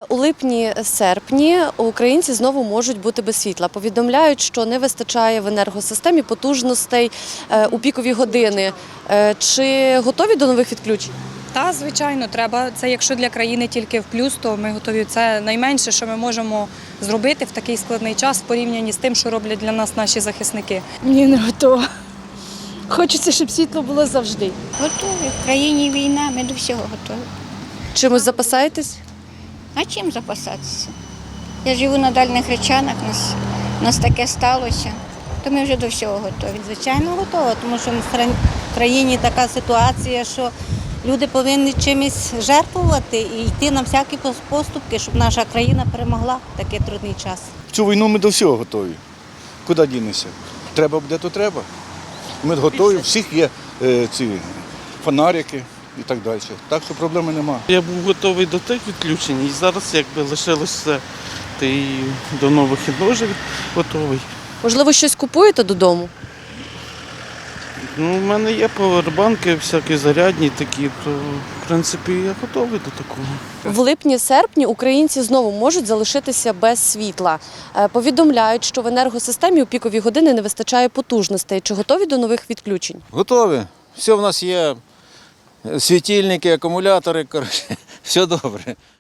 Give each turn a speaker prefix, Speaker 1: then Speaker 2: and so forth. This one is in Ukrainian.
Speaker 1: У липні-серпні українці знову можуть бути без світла. Повідомляють, що не вистачає в енергосистемі потужностей у пікові години. Чи готові до нових відключень?
Speaker 2: Та, звичайно, треба. Це якщо для країни тільки в плюс, то ми готові. Це найменше, що ми можемо зробити в такий складний час в порівнянні з тим, що роблять для нас наші захисники.
Speaker 3: Ні, не готова. Хочеться, щоб світло було завжди.
Speaker 4: Готові. В країні війна, ми до всього готові.
Speaker 1: Чимось запасаєтесь?
Speaker 4: А чим запасатися? Я живу на дальніх речанах, у нас таке сталося, то ми вже до всього готові.
Speaker 5: Звичайно, готова, тому що в країні така ситуація, що люди повинні чимось жертвувати і йти на всякі поступки, щоб наша країна перемогла в такий трудний час.
Speaker 6: В цю війну ми до всього готові. Куди дінемося? Треба буде, то треба. Ми готові, у всіх є ці фонарики і так далі. Так що проблеми немає.
Speaker 7: Я був готовий до тих відключень і зараз якби лишилося та й до нових вже готовий.
Speaker 1: Можливо, щось купуєте додому?
Speaker 7: У мене є павербанки, всякі зарядні такі, то в принципі я готовий до такого.
Speaker 1: В липні-серпні українці знову можуть залишитися без світла. Повідомляють, що в енергосистемі у пікові години не вистачає потужностей. Чи готові до нових відключень?
Speaker 8: Готові. Все в нас є, світильники, акумулятори, коротше, все добре.